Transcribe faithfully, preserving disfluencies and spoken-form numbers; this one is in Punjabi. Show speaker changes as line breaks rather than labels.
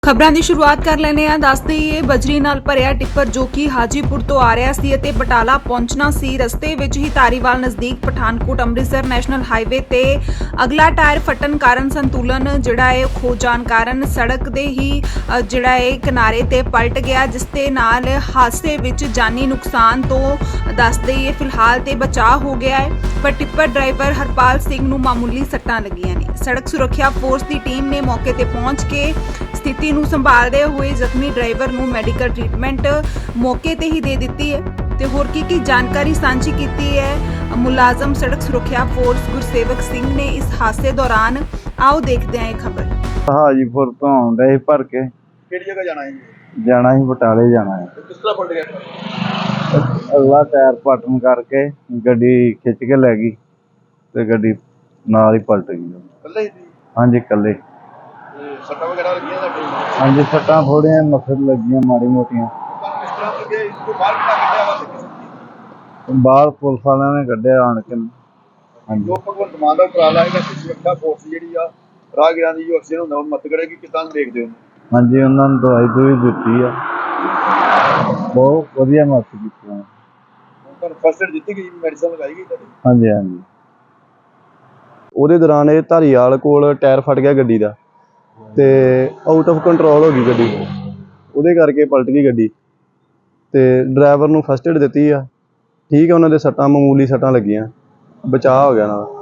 ਖਬਰਾਂ ਦੀ ਸ਼ੁਰੂਆਤ ਕਰ ਲੈਨੇ ਆ। ਦੱਸ ਦਈਏ ਬਜਰੀ ਨਾਲ ਭਰਿਆ ਟਿੱਪਰ ਜੋ ਕਿ ਹਾਜੀਪੁਰ ਤੋਂ ਆ ਰਿਹਾ ਸੀ ਅਤੇ ਬਟਾਲਾ ਪਹੁੰਚਣਾ ਸੀ। ਰਸਤੇ ਵਿੱਚ ਹੀ ਧਾਰੀਵਾਲ ਨਜ਼ਦੀਕ ਪਠਾਨਕੋਟ ਅੰਮ੍ਰਿਤਸਰ ਨੈਸ਼ਨਲ ਹਾਈਵੇ ਤੇ ਅਗਲਾ ਟਾਇਰ ਫਟਣ ਕਾਰਨ ਸੰਤੁਲਨ ਜਿਹੜਾ ਹੈ ਖੋ ਜਾਣ ਕਾਰਨ ਸੜਕ ਦੇ ਹੀ ਜਿਹੜਾ ਹੈ ਕਿਨਾਰੇ ਤੇ ਪਲਟ ਗਿਆ, ਜਿਸ ਦੇ ਨਾਲ ਹਾਦਸੇ ਵਿੱਚ ਜਾਨੀ ਨੁਕਸਾਨ ਤੋਂ ਦੱਸ ਦਈਏ ਫਿਲਹਾਲ ਤੇ ਬਚਾਅ ਹੋ ਗਿਆ ਹੈ, ਪਰ ਟਿੱਪਰ ਡਰਾਈਵਰ ਹਰਪਾਲ ਸਿੰਘ ਨੂੰ ਮਾਮੂਲੀ ਸੱਟਾਂ ਲੱਗੀਆਂ ਨੇ। ਸੜਕ ਸੁਰੱਖਿਆ ਫੋਰਸ ਦੀ ਟੀਮ ਨੇ ਮੌਕੇ ਤੇ ਪਹੁੰਚ ਕੇ ਸਥਿਤੀ ਨੂੰ ਸੰਭਾਲਦੇ ਹੋਏ ਜ਼ਖਮੀ ਡਰਾਈਵਰ ਨੂੰ ਮੈਡੀਕਲ ਟ੍ਰੀਟਮੈਂਟ ਮੌਕੇ ਤੇ ਹੀ ਦੇ ਦਿੱਤੀ ਹੈ ਤੇ ਹੋਰ ਕੀ ਕੀ ਜਾਣਕਾਰੀ ਸਾਂਝੀ ਕੀਤੀ ਹੈ ਮੁਲਾਜ਼ਮ ਸੜਕ ਸੁਰੱਖਿਆ ਫੋਰਸ ਗੁਰਸੇਵਕ ਸਿੰਘ ਨੇ ਇਸ ਹਾਦਸੇ ਦੌਰਾਨ। ਆਓ ਦੇਖਦੇ ਹਾਂ ਇਹ ਖਬਰ।
ਹਾਜੀਪੁਰ ਤੋਂ ਆਉਂਦੇ ਸੀ ਭਰ ਕੇ।
ਕਿਹੜੀ ਜਗ੍ਹਾ ਜਾਣਾ ਹੈ?
ਜਾਣਾ ਸੀ ਬਟਾਲੇ ਜਾਣਾ ਹੈ।
ਕਿਸ ਤਰ੍ਹਾਂ ਪਲਟ ਗਿਆ?
ਅਗਲਾ ਟਾਇਰ ਪਲਟਣ ਕਰਕੇ ਗੱਡੀ ਖਿੱਚ ਕੇ ਲੈ ਗਈ ਤੇ ਗੱਡੀ ਨਾਲ ਹੀ ਪਲਟ ਗਈ।
ਇਕੱਲੇ ਸੀ?
ਹਾਂਜੀ ਇਕੱਲੇ।
ਤੇ ਸੱਟਾਂ ਵਗੈਰਾ ਲੱਗੀਆਂ ਤੁਹਾਡੇ?
ਹਾਂਜੀ ਸੱਟਾਂ ਥੋੜ੍ਹੀਆਂ ਮਸਲ ਲੱਗੀਆਂ ਮਾੜੀ ਮੋਟੀਆਂ।
ਤੁਹਾਨੂੰ ਕਿਸ ਤਰ੍ਹਾਂ ਲੱਗਿਆ? ਇਸ ਤੋਂ ਬਾਹਰ ਕਿੱਦਾਂ ਕੱਢਿਆ ਵਾ ਤੇ
ਬਾਹਰ ਪੁਲਿਸ ਵਾਲਿਆਂ ਨੇ ਕੱਢਿਆ ਆਣ ਕੇ। ਹਾਂਜੀ
ਜੋ ਭਗਵੰਤ ਮਾਨ ਦਾ ਉਪਰਾਲਾ ਹੈਗਾ ਕਿ ਸੁਰੱਖਿਆ ਫੋਰਸ ਜਿਹੜੀ ਆ ਰਾਹਗੀਰਾਂ ਦੀ ਜੋ ਐਕਸੀਡੈਂਟ ਹੁੰਦਾ ਉਹ ਮਦਦ ਕਰੇਗੀ, ਕਿੱਦਾਂ ਦੇਖਦੇ ਹੋ?
ਹਾਂਜੀ ਉਹਨਾਂ ਨੂੰ ਦਵਾਈ ਦੂਈ ਦਿੱਤੀ ਆ, ਬਹੁਤ ਵਧੀਆ ਮਦਦ ਕੀਤੀ ਆ।
ਤੁਹਾਨੂੰ ਫਸਟ ਏਡ ਦਿੱਤੀ ਗਈ, ਮੈਡੀਸਨ ਲਗਾਈ ਗਈ ਤੁਹਾਡੀ?
ਹਾਂਜੀ ਹਾਂਜੀ।
ਉਹਦੇ ਦੌਰਾਨ ਇਹ ਧਾਰੀਵਾਲ ਕੋਲ ਟਾਇਰ ਫਟ ਗਿਆ ਗੱਡੀ ਦਾ ਤੇ ਆਊਟ ਆਫ ਕੰਟਰੋਲ ਹੋ ਗਈ ਗੱਡੀ, ਉਹਦੇ ਕਰਕੇ ਪਲਟ ਗਈ ਗੱਡੀ ਤੇ ਡਰਾਈਵਰ ਨੂੰ ਫਸਟ ਏਡ ਦਿੱਤੀ ਆ। ਠੀਕ ਹੈ, ਉਹਨਾਂ ਦੇ ਸੱਟਾਂ ਮਾਮੂਲੀ ਸੱਟਾਂ ਲੱਗੀਆਂ, ਬਚਾਅ ਹੋ ਗਿਆ ਉਹਨਾਂ ਦਾ।